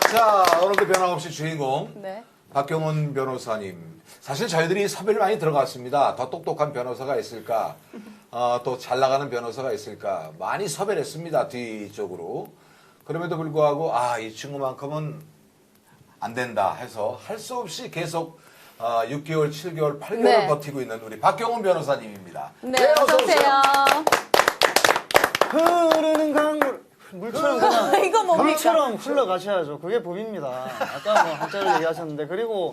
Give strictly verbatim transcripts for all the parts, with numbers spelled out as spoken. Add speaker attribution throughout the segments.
Speaker 1: 자, 오늘도 변함없이 주인공
Speaker 2: 네.
Speaker 1: 박경훈 변호사님. 사실 저희들이 섭외를 많이 들어갔습니다. 더 똑똑한 변호사가 있을까? 어, 또 잘 나가는 변호사가 있을까? 많이 섭외를 했습니다. 뒤쪽으로. 그럼에도 불구하고 아, 이 친구만큼은 안 된다 해서 할 수 없이 계속 어, 육 개월, 칠 개월, 팔 개월
Speaker 2: 네.
Speaker 1: 버티고 있는 우리 박경훈 변호사님입니다.
Speaker 2: 네, 어서 오세요.
Speaker 3: 흐르는 강물 물처럼 그냥
Speaker 2: 이거 뭡니까?
Speaker 3: 물처럼 흘러가셔야죠. 그게 법입니다. 아까 뭐 한자를 얘기하셨는데 그리고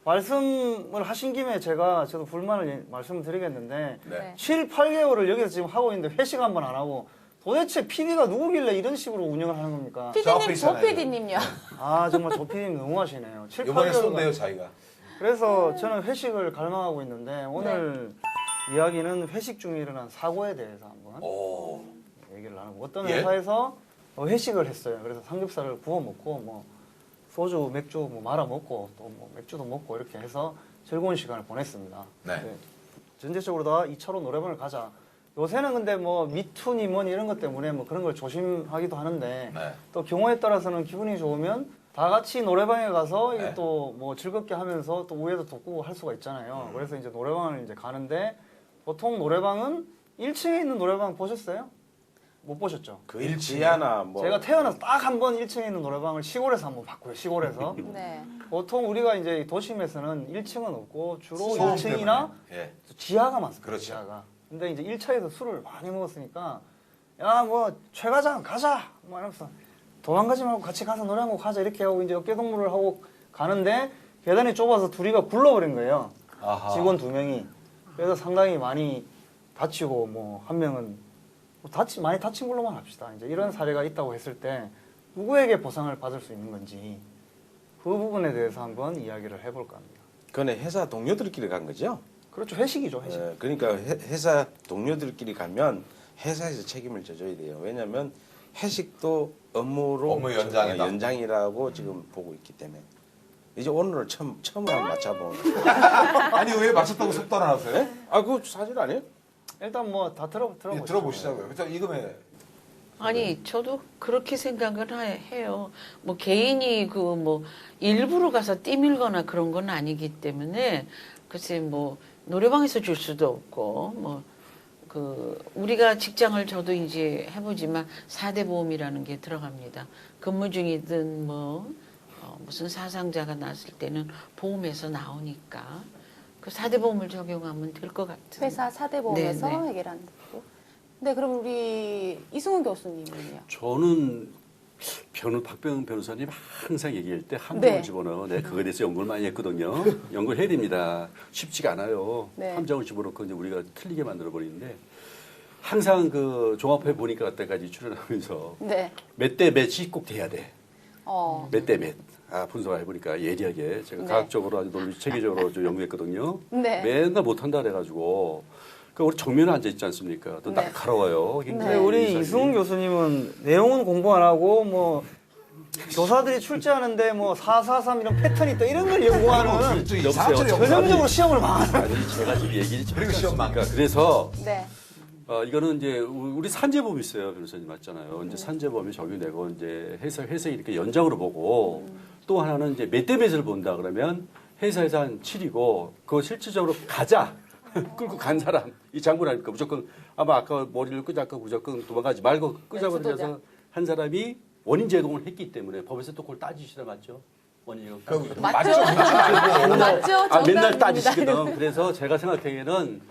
Speaker 3: 말씀을 하신 김에 제가 저도 불만을 말씀을 드리겠는데
Speaker 1: 네.
Speaker 3: 칠, 팔 개월을 여기서 지금 하고 있는데 회식 한 번 안 하고 도대체 피디가 누구길래 이런 식으로 운영을 하는 겁니까?
Speaker 1: 저 앞에
Speaker 2: 피디님,
Speaker 1: 있잖아요.
Speaker 2: 조 피디님요.
Speaker 3: 아 정말 조 피디님 너무하시네요. 칠, 팔
Speaker 1: 이번에
Speaker 3: 개월
Speaker 1: 쏜대요, 자기가.
Speaker 3: 그래서 저는 회식을 갈망하고 있는데 오늘 이야기는 회식 중에 일어난 사고에 대해서 한번
Speaker 1: 오.
Speaker 3: 얘기를 나누고 어떤
Speaker 1: 예?
Speaker 3: 회사에서 회식을 했어요. 그래서 삼겹살을 구워 먹고 뭐 소주, 맥주 뭐 말아 먹고 또 뭐 맥주도 먹고 이렇게 해서 즐거운 시간을 보냈습니다.
Speaker 1: 네.
Speaker 3: 네. 전체적으로 다 이 차로 노래방을 가자. 요새는 근데 뭐 미투니 뭐니 이런 것 때문에 뭐 그런 걸 조심하기도 하는데
Speaker 1: 네.
Speaker 3: 또 경우에 따라서는 기분이 좋으면 다 같이 노래방에 가서
Speaker 1: 네.
Speaker 3: 또 뭐 즐겁게 하면서 또 우애도 돋구고 할 수가 있잖아요.
Speaker 1: 음.
Speaker 3: 그래서 이제 노래방을 이제 가는데 보통 노래방은 일 층에 있는 노래방 보셨어요? 못 보셨죠?
Speaker 4: 그
Speaker 1: 일치야.
Speaker 4: 일치야나 뭐
Speaker 3: 제가 태어나서 딱 한 번 일 층에 있는 노래방을 시골에서 한번 봤고요. 시골에서.
Speaker 2: 네.
Speaker 3: 보통 우리가 이제 도심에서는 일 층은 없고 주로
Speaker 1: 소음
Speaker 3: 일 층이나
Speaker 1: 때문에. 예.
Speaker 3: 지하가 많습니다.
Speaker 1: 그렇죠.
Speaker 3: 지하가. 근데 이제 일 차에서 술을 많이 먹었으니까 야 뭐 최 과장 가자 뭐 이러면서 도망가지 말고 같이 가서 노래 한 곡 하자 이렇게 하고 이제 어깨동무를 하고 가는데 계단이 좁아서 둘이가 굴러버린 거예요.
Speaker 1: 아하.
Speaker 3: 직원 두 명이. 그래서 상당히 많이 다치고 뭐 한 명은 뭐 다치 많이 다친 걸로만 합시다. 이제 이런 사례가 있다고 했을 때 누구에게 보상을 받을 수 있는 건지 그 부분에 대해서 한번 이야기를 해볼까 합니다.
Speaker 4: 그거는 회사 동료들끼리 간 거죠.
Speaker 3: 그렇죠. 회식이죠. 회식.
Speaker 4: 예, 그러니까 회, 회사 동료들끼리 가면 회사에서 책임을 져줘야 돼요. 왜냐하면 회식도 업무로
Speaker 1: 업무 연장이다.
Speaker 4: 연장이라고 지금 보고 있기 때문에 이제 오늘을 처음 처음으로 맞춰보는.
Speaker 1: 아니, 왜 맞췄다고 속도 안 하세요?
Speaker 4: 아 그거 사실 아니에요?
Speaker 3: 일단 뭐 다 들어 들어보시죠.
Speaker 1: 예, 들어보시자고요. 그죠? 이금에
Speaker 5: 아니 저도 그렇게 생각을 하- 해요. 뭐 개인이 그 뭐 일부러 가서 뛰밀거나 그런 건 아니기 때문에 글쎄 뭐 노래방에서 줄 수도 없고 뭐 그 우리가 직장을 저도 이제 해보지만 사 대 보험이라는 게 들어갑니다. 근무 중이든 뭐 어, 무슨 사상자가 났을 때는 보험에서 나오니까 그 사 대 보험을 적용하면 될 것 같은.
Speaker 2: 회사 사 대 보험에서
Speaker 5: 네, 네.
Speaker 2: 해결하는 거고. 네, 그럼 우리 이승훈 교수님은요?
Speaker 6: 저는 변호 박병 변호사님 항상 얘기할 때 함정을
Speaker 2: 네.
Speaker 6: 집어넣어. 내가 그거에 대해서 연구를 많이 했거든요. 연구를 해야 됩니다. 쉽지가 않아요.
Speaker 2: 네.
Speaker 6: 함정을 집어넣고 이제 우리가 틀리게 만들어 버리는데 항상 그 종합해 보니까 그때까지 출연하면서
Speaker 2: 네.
Speaker 6: 몇 대 몇이 꼭 돼야 돼.
Speaker 2: 어.
Speaker 6: 몇 대 몇. 아, 분석해 보니까 예리하게 제가
Speaker 2: 네.
Speaker 6: 과학적으로 아주 논리 체계적으로 좀 연구했거든요.
Speaker 2: 네.
Speaker 6: 맨날 못한다 그래가지고. 그 우리 정면에 앉아 있지 않습니까? 또
Speaker 2: 네.
Speaker 6: 날카로워요.
Speaker 3: 근데
Speaker 6: 굉장히
Speaker 3: 우리
Speaker 6: 인상이.
Speaker 3: 이승훈 교수님은 내용은 공부 안 하고 뭐 교사들이 출제하는데 뭐 사사삼 이런 패턴이 있다 이런 걸 연구하는
Speaker 1: 좀
Speaker 6: 여보세요.
Speaker 1: 이상한 소리
Speaker 3: 전형적으로 시험을 망하는
Speaker 6: 아니 제가 지금 얘기를
Speaker 1: 그리고 시험
Speaker 6: 그러니까 그래서
Speaker 2: 네.
Speaker 6: 어, 이거는 이제 우리 산재범 있어요 변호사님 맞잖아요. 이제 산재범이 적용되고 이제 회사 회사 이렇게 연장으로 보고 또 하나는 이제 몇 대 몇을 본다 그러면 회사에서 한 칠이고 그거 실질적으로 가자 끌고 간 사람 이 장군 아닙니까 무조건 아마 아까 머리를 끄자고 무조건 도망가지 말고 끄자고
Speaker 2: 네,
Speaker 6: 그래서 한 사람이 원인 제공을 했기 때문에 법에서 또 그걸 따지시다 맞죠? 원인 제공 따지시다.
Speaker 2: 맞죠? 맞죠?
Speaker 6: 아, 맨날
Speaker 2: 정답입니다.
Speaker 6: 따지시거든. 그래서 제가 생각하기에는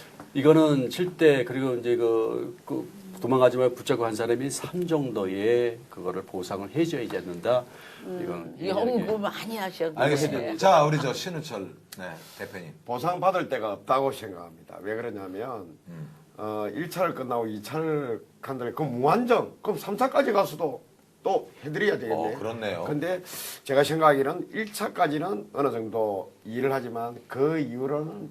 Speaker 6: 이거는 칠 대 그리고 이제 그, 그 도망가지 말고 붙잡고 한 사람이 삼 정도의 그거를 보상을 해줘야지 않는다. 이건
Speaker 5: 연구 많이 하셨는데.
Speaker 1: 알겠습니다. 자, 우리 저 신우철 네, 대표님.
Speaker 7: 보상받을 데가 없다고 생각합니다. 왜 그러냐면
Speaker 1: 음.
Speaker 7: 어, 일 차를 끝나고 이 차를 간다면 그 무한정 그럼 삼 차까지 가서도 또 해드려야 되겠네.
Speaker 1: 어, 그렇네요.
Speaker 7: 근데 제가 생각하기는 일 차까지는 어느 정도 일을 하지만 그 이후로는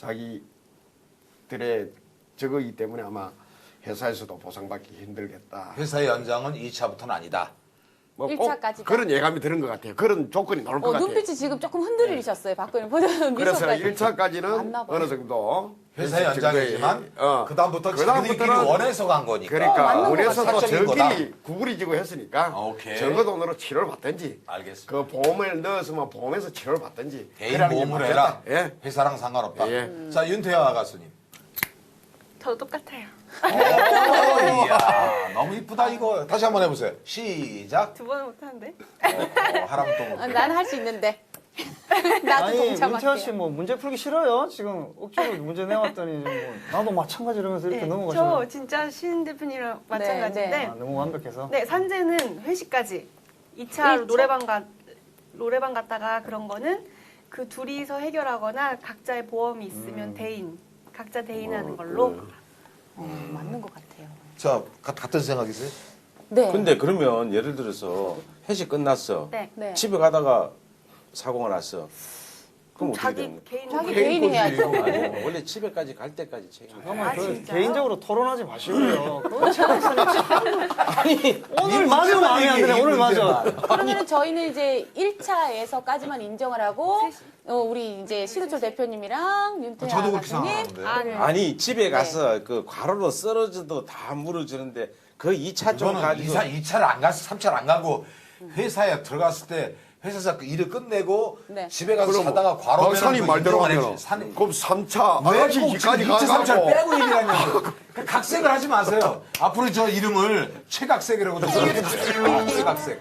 Speaker 7: 자기들의 저거이기 때문에 아마 회사에서도 보상받기 힘들겠다.
Speaker 1: 회사의 연장은 이 차부터는 아니다.
Speaker 7: 뭐
Speaker 2: 일
Speaker 7: 꼭
Speaker 2: 차까지다.
Speaker 7: 그런 예감이 드는 것 같아요. 그런 조건이 나올 것
Speaker 2: 어,
Speaker 7: 같아요.
Speaker 2: 눈빛이 지금 조금 흔들리셨어요. 박근혜 보자는
Speaker 7: 그래서
Speaker 2: 미소까지.
Speaker 7: 일 차까지는
Speaker 2: 맞나 봐요.
Speaker 7: 어느 정도
Speaker 1: 회사 연장이지만
Speaker 7: 어.
Speaker 1: 그다음부터
Speaker 7: 그다음부터는
Speaker 1: 자기들끼리 원해서 간 거니까.
Speaker 7: 그러니까
Speaker 2: 맞는 것
Speaker 7: 원해서 또
Speaker 1: 사적인 거다.
Speaker 7: 저끼리 구부리지고 했으니까
Speaker 1: 오케이.
Speaker 7: 적어 돈으로 치료를 받든지
Speaker 1: 알겠습니다.
Speaker 7: 그 보험을 넣었으면 보험에서 치료를 받든지
Speaker 1: 개인
Speaker 7: 그러는 게
Speaker 1: 보험을
Speaker 7: 맞겠다.
Speaker 1: 해라.
Speaker 7: 예.
Speaker 1: 회사랑 상관없다.
Speaker 7: 예.
Speaker 1: 자, 윤태아 가수님.
Speaker 8: 저도 똑같아요.
Speaker 1: 오, 이야, 너무 이쁘다 이거. 다시 한번 해보세요. 시작.
Speaker 8: 두 번은 못하는데.
Speaker 1: 어, 어, 하람 또
Speaker 2: 아,
Speaker 1: 못해.
Speaker 2: 나는 할 수 있는데. 나도
Speaker 3: 아니
Speaker 2: 동참할게요.
Speaker 3: 문태아 씨 뭐 문제 풀기 싫어요? 지금 억지로 문제 내왔더니 뭐 나도 마찬가지 이러면서 이렇게
Speaker 8: 네,
Speaker 3: 넘어가시면
Speaker 8: 저 진짜 신 대표님이랑 마찬가지인데
Speaker 2: 네.
Speaker 3: 아, 너무 완벽해서.
Speaker 8: 네, 산재는 회식까지. 이 차로
Speaker 2: 일 차?
Speaker 8: 노래방 가 노래방 갔다가 그런 거는 그 둘이서 해결하거나 각자의 보험이 있으면
Speaker 3: 음.
Speaker 8: 대인, 각자 대인하는 걸로.
Speaker 2: 어, 맞는 것 같아요.
Speaker 1: 자, 가- 같은 생각이세요?
Speaker 2: 네.
Speaker 4: 근데 그러면 예를 들어서 회식 끝났어.
Speaker 8: 네.
Speaker 2: 네.
Speaker 4: 집에 가다가 사고가 났어. 그럼
Speaker 8: 그럼
Speaker 4: 어떻게
Speaker 8: 자기
Speaker 4: 되는 거야?
Speaker 8: 개인
Speaker 2: 자기
Speaker 1: 개인
Speaker 2: 개인이 해야죠.
Speaker 4: 아니, 원래 집에까지 갈 때까지 책임.
Speaker 3: 잠깐만
Speaker 8: 아,
Speaker 3: 그
Speaker 8: 진짜요?
Speaker 3: 개인적으로 토론하지 마시고요. 그건 최 박사님 아니 오늘 맞으면
Speaker 1: 문제만
Speaker 3: 마음에 안 드네.
Speaker 1: 얘기해,
Speaker 3: 오늘 맞아.
Speaker 1: 문제만.
Speaker 2: 그러면 저희는 이제 일 차에서까지만 인정을 하고 어, 우리 이제 신우철 대표님이랑 윤태아
Speaker 1: 저도 그렇게
Speaker 2: 가수님
Speaker 1: 생각하는데.
Speaker 8: 아, 네.
Speaker 4: 아니 집에 가서 그 과로로 쓰러져도 다 물어주는데 그 이 차 좀
Speaker 1: 저는
Speaker 4: 가지고
Speaker 1: 이사 이 차를 안 가서 삼 차를 안 가고 회사에 들어갔을 때 회사에서 그 일을 끝내고
Speaker 2: 네.
Speaker 1: 집에 가서
Speaker 7: 그럼
Speaker 1: 자다가 과로
Speaker 7: 박사님 말대로 하면
Speaker 1: 산
Speaker 7: 그럼 삼 차
Speaker 1: 왜
Speaker 7: 아가씨
Speaker 1: 꼭 지금
Speaker 7: 이까지
Speaker 1: 이 차 삼 차를
Speaker 7: 가가지고
Speaker 1: 빼고 얘기하냐고. 그 각색을 하지 마세요. 앞으로 저 이름을 최각색이라고 좀 써주세요. 아, 최각색.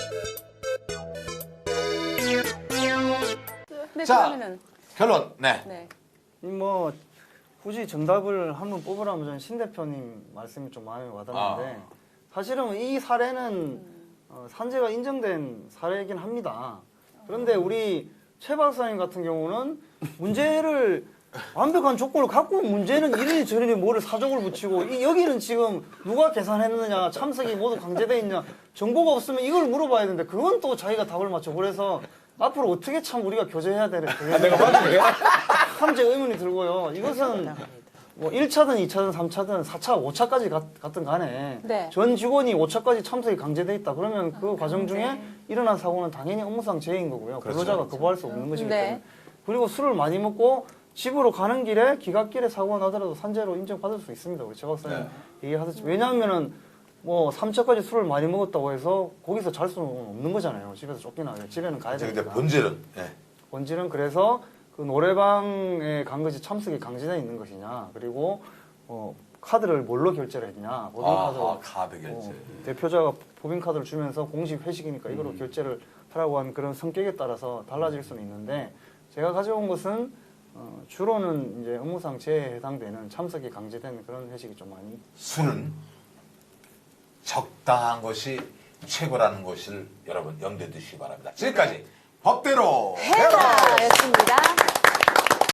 Speaker 2: 네,
Speaker 1: 자.
Speaker 2: 그러면은
Speaker 1: 결론. 네.
Speaker 2: 네.
Speaker 3: 뭐 굳이 정답을 한번 뽑으라면 저는 신 대표님 말씀이 좀 마음에 와닿는데
Speaker 1: 아.
Speaker 3: 사실은 이 사례는 어, 산재가 인정된 사례이긴 합니다. 그런데 우리 최 박사님 같은 경우는 문제를 완벽한 조건을 갖고 문제는 이러니 저러니 뭐를 사족을 붙이고 이, 여기는 지금 누가 계산했느냐 참석이 모두 강제돼 있냐 정보가 없으면 이걸 물어봐야 되는데 그건 또 자기가 답을 맞춰 그래서 앞으로 어떻게 참 우리가 교제해야 되는 아, 내가 맞은 함재 의문이 들고요. 이것은 뭐 일 차든 이 차든 삼 차든 사 차, 오 차까지 갔, 갔든 간에
Speaker 2: 네.
Speaker 3: 전 직원이 오 차까지 참석이 강제돼 있다. 그러면 그 과정 중에 일어난 사고는 당연히 업무상 재해인 거고요. 근로자가 거부할 수 없는 것이기
Speaker 2: 네.
Speaker 3: 때문에. 그리고 술을 많이 먹고 집으로 가는 길에 기갓길에 사고가 나더라도 산재로 인정받을 수 있습니다. 우리 최 박사님 얘기하셨지. 왜냐하면은 뭐 삼 차까지 술을 많이 먹었다고 해서 거기서 잘 수는 없는 거잖아요. 집에서 쫓기나 집에는 가야
Speaker 1: 근데
Speaker 3: 되니까.
Speaker 1: 본질은 네.
Speaker 3: 본질은 그래서 그 노래방에 간 것이 참석이 강제돼 있는 것이냐 그리고 어, 카드를 뭘로 결제를 했냐 법인카드로
Speaker 1: 아, 카드 결제.
Speaker 3: 어, 대표자가 법인카드를 주면서 공식 회식이니까 이걸로
Speaker 1: 음.
Speaker 3: 결제를 하라고 하는 그런 성격에 따라서 달라질 수는 있는데 제가 가져온 것은 어, 주로는 이제 업무상 재해에 해당되는 참석이 강제된 그런 회식이 좀 많이
Speaker 1: 술은 적당한 것이 최고라는 것을 여러분 염두에 두시기 바랍니다. 지금까지 법대로 해라.